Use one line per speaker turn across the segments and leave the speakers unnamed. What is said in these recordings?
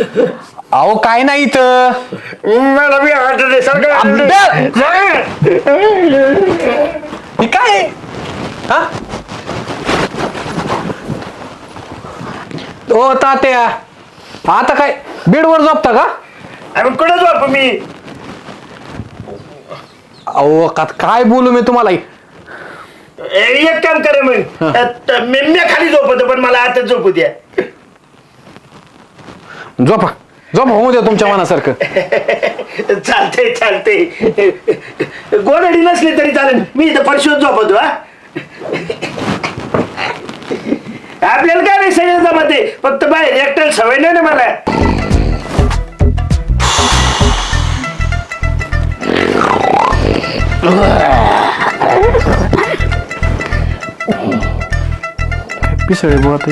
अहो काय नाही इथं
मला बी आठवते
हे काय हा ओ तात्या आता काय बेडवर झोपता का?
आम्ही कुठे झोप मी
अहो काय बोलू मी तुम्हाला
एक काम करे मग मी खाली झोपतो पण मला आता झोपू द्या.
झोपा झोपा होऊ द्या तुमच्या मनासारखं.
चालतंय चालतंय गोडडी नसली तरी चालेल मी इथं फरशीवर झोपतो. हा आपल्याला काय नाही सगळं जमते फक्त बाहेर एकट्याला सवय नाही ना मला.
पिसळे बोलत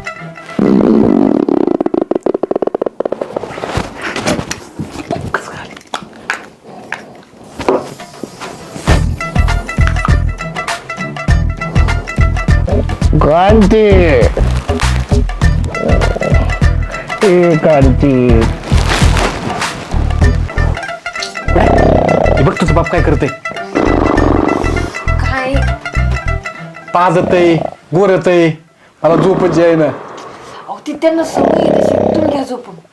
क्रांती क्रांती
बघ तुझं बाप काय करते
काय
पाजतय गोरतय मला झोपच आहे ना.
अहो ती त्यांना सवय आहे तशी तुम्ही घ्या झोपून.